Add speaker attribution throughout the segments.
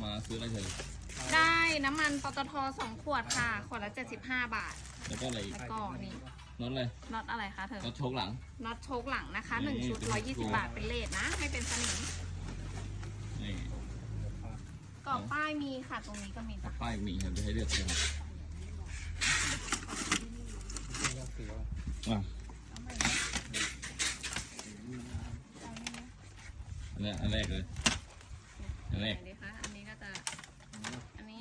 Speaker 1: มาซื้ออะไรเถอะ
Speaker 2: ได้น้ำมันปตท2 ขวดค่ะขวดละ75 บาท
Speaker 1: แล้วก็อะไรอีก
Speaker 2: แล้วก็นี่
Speaker 1: น็อตเลย
Speaker 2: น็อตอะไรคะเธอ
Speaker 1: น็อตโชคหลัง
Speaker 2: น็อตโชคหลังนะคะ1 ชุด120 บาทเป็นเลทนะให้เป็นสนิม
Speaker 1: นี่
Speaker 2: กรอบป้ายมีค่ะตรงนี้ก็มีจ้ะ
Speaker 1: ป้ายมีครับจะให้เลือกเลยอ่ะอันแรกเลยอันแรก
Speaker 2: ดีคะอันนี้ก็จะอันนี้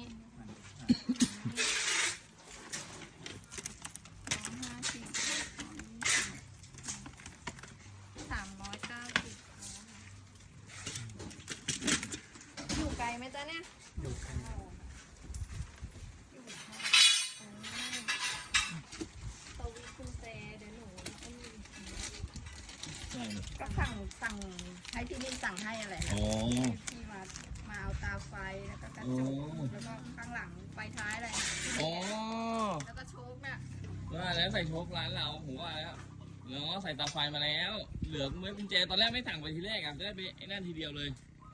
Speaker 2: อยู่ไกลไหมจ๊ะเนี่ยอยู่ไกลสวีคุณเจเดี๋ยวหนู
Speaker 3: ก็สั่งให้พี่นิ่มสั่งให้อะไรที่มาเอาตาไฟแล้วก็กระจกแล้วก็ข้างหลังไฟท้ายอะไรแล้วก็โชคเนี่ย
Speaker 1: ว่าแล้วใส่โชคร้านเราผมว่าแล้วใส่ตาไฟมาแล้วเหลือเมื่อกุญแจตอนแรกไม่สั่งไปทีแรกอ่ะจะได้ไปไอ้นั่นทีเดียวเลย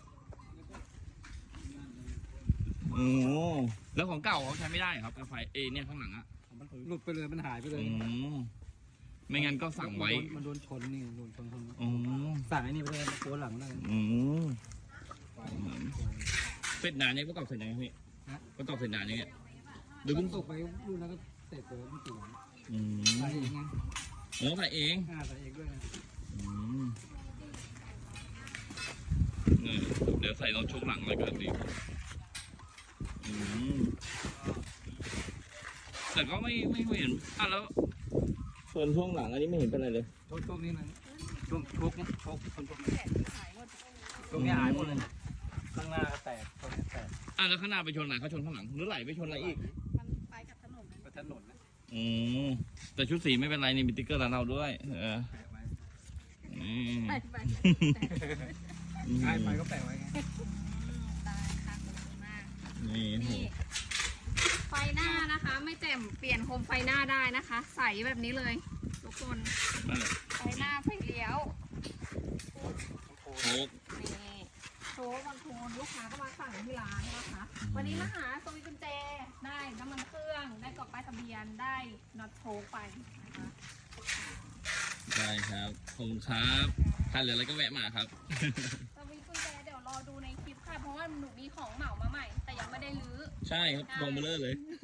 Speaker 1: แล้วของเก่าเขาใช้ไม่ได้ครับตาไฟเนี่ยข้างหลังอ่ะ
Speaker 4: หลุดไปเลยมันหายไปเลย
Speaker 1: ไม่งั้นก็สั่งไว้
Speaker 4: มันโดนชนนี่โดนชนสั่งไอ้นี่ไปเลยโค้ดหลังเลย
Speaker 1: เสร็จนานยังก็ตอบเสร็จยังพี่ก็ตอบเสร็จนานยังเนี่ย
Speaker 4: หรือเพิ่งตกไปรุ่นแล้วก็เสร็จเลยไม่ถึงใส่เองไง
Speaker 1: ใส่เอง
Speaker 4: ใส่เองด้วยนะ
Speaker 1: เดี๋ยวใส่รถชุกหลังเลยกันดิแต่ก็ไม่เห็นแล้วส่วนช่วงหลังอันนี้ไม่เห็นเป็นอะไรเลย
Speaker 4: ช่วงนี้นะช่วงชกคนชกตรงนี้หายหมดเลยข้างหน้าแตกตรงนี้แตก
Speaker 1: แล้วข้างหน้าไปชนไหนเขาชนข้างหลังหรือไหลไปชนอะไรอีก
Speaker 3: มันไปกับถนน
Speaker 4: ไปถนนนะ
Speaker 1: แต่ชุดสีไม่เป็นไรนี่มีติ๊กเกอร์ร้านเราด้วย
Speaker 3: ไป
Speaker 4: ก็แปะไว้ไง
Speaker 3: ได้ค่ะขอบคุณมาก
Speaker 1: นี่
Speaker 2: ไฟหน้านะคะไม่แจ่มเปลี่ยนโคมไฟหน้าได้นะคะใสแบบนี้เลยทุกคนไฟหน้าไฟเลี้ยว
Speaker 1: โชค
Speaker 2: นี่โชคบางคนลูกค้าก็มาสั่งที่ร้านนะคะวันนี้มาหาสวิตช์กุญแจได้น้ำมันเครื่องได้กรอบป้ายทะเบียนได้น็อตโชคไปนะคะ
Speaker 1: ได้ครับขอบคุณครับถ้าเหลืออะไรก็แวะมาครับ
Speaker 2: สวิตช์กุญแจเดี๋ยวรอดูในคลิปค่ะเพราะว่าหนูมีของเหมามาใหม่แต่ยังไม่ได้รื้อ
Speaker 1: ใช่ครับกองเบลอเลย